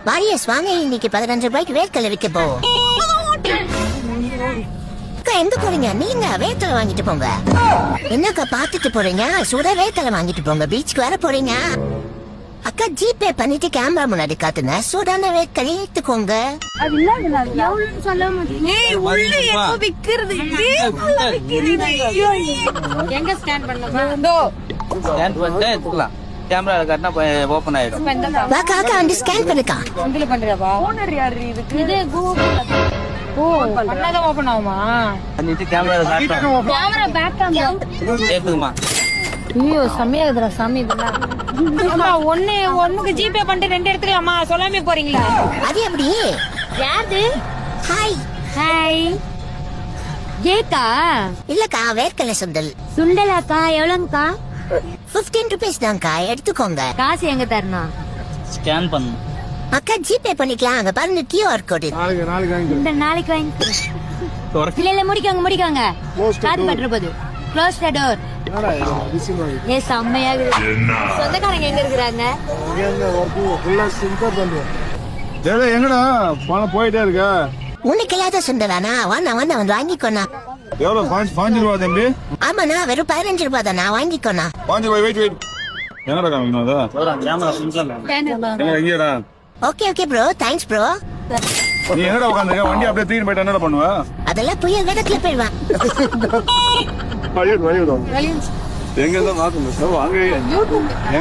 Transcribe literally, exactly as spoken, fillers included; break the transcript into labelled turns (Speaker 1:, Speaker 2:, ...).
Speaker 1: Warriors வாங்க, இன்னைக்கு பதினஞ்சு ரூபாய்க்கு வேர்க்கடலை விற்க போவோம். அக்கா எங்க போறீங்க? நீங்க வேர்க்கடலை வாங்கிட்டு போங்க. என்னக்கா பாத்துட்டு போறீங்க? சுட வேர்க்கடலை வாங்கிட்டு போங்க. பீச்சுக்கு வர போறீங்க. அக்கா ஜிபே பண்ணிட்டு கேமரா முன்னாடி காட்டுங்க. சூடான வேர்க்கடலை எடுத்துக்கோங்க.
Speaker 2: அது இல்ல எவ்வளவுன்னு சொல்ல முடியும். ஏய் உள்ள எப்ப விக்கிறது? எங்க ஸ்கேன் பண்ணனும்?
Speaker 3: ஸ்கேன் பண்ணிட்டு எடுத்துக்கலாம். கேமரா காட்டினா ஓபன் ஆயிடும்.
Speaker 1: வாக்கா அக்கா வந்து ஸ்கேன் பண்ணுக்கா.
Speaker 2: உங்கள பண்றவா? ஓனர் யாரு இதுக்கு? இது கூகுள். ஓ பண்ணாத ஓபன் ஆகுமா?
Speaker 3: பண்ணிட்டு கேமரா காட்டணும்.
Speaker 2: கேமரா பேக் கேமரா
Speaker 3: ஏத்துக்குமா?
Speaker 2: ஐயோ சமையாதுடா சாமி இதெல்லாம். அம்மா ஒண்ணு ஒண்ணுக்கு ஜிபே பண்ணிட்டு ரெண்டு எடுத்துக்கலாமா? சொல்லாமே போறீங்களா?
Speaker 1: அது எப்படி?
Speaker 2: யாரு?
Speaker 1: ஹாய்.
Speaker 2: ஹாய். ஏக்கா
Speaker 1: இல்லக்கா வேர்க்கடலை சுண்டல்.
Speaker 2: சுண்டலாக்கா எவ்வளவுக்கா?
Speaker 1: பிப்டீன் ருபீஸ் தான்க்கா, எடுத்துக்கோங்க.
Speaker 2: காசு எங்க தரணும்?
Speaker 3: ஸ்கேன் பண்ணணும்.
Speaker 1: அக்கா ஜிபே பண்ணிக்கலாம். அங்க பாருங்க கியூஆர் கோடு.
Speaker 2: இந்த நாளைக்கு வாங்கி இல்ல இல்ல முடிக்கோங்க முடிக்கோங்க. காத்து பற்ற போது க்ளோஸ் த டோர். ஏ செம்மையா இருக்கு. சொந்தக்காரங்க எங்க இருக்கிறாங்க?
Speaker 4: எங்கடா பணம் போயிட்டே இருக்க?
Speaker 1: உனக்கு இல்லாத சுண்டலானா? வாண்ணா வாண்ணா வந்து வாங்கிக்கோண்ணா.
Speaker 4: எவ்வளவு? பாஞ்சு ரூபா தம்பி.
Speaker 1: ஆமாண்ணா வெறும் பதினஞ்சு ரூபாய் தானா, வாங்கிக்கோண்ணா.
Speaker 4: பாஞ்சு ரூபாய். வெயிட் வெயிட் எங்கடா காமிக்கணும் அதா?
Speaker 3: கேமரா சிம்பிளா
Speaker 4: எங்க இங்கடா?
Speaker 1: Okay okay bro, thanks bro.
Speaker 4: நீ என்னடா உட்காந்துருக்க? வண்டி அப்படியே தூக்கிட்டு போயிட்டு என்னடா பண்ணுவ?
Speaker 1: அதெல்லாம் புயல் வேகத்துல போயிடுவான்.
Speaker 4: எங்க இருந்தா மாத்தணும் வாங்க.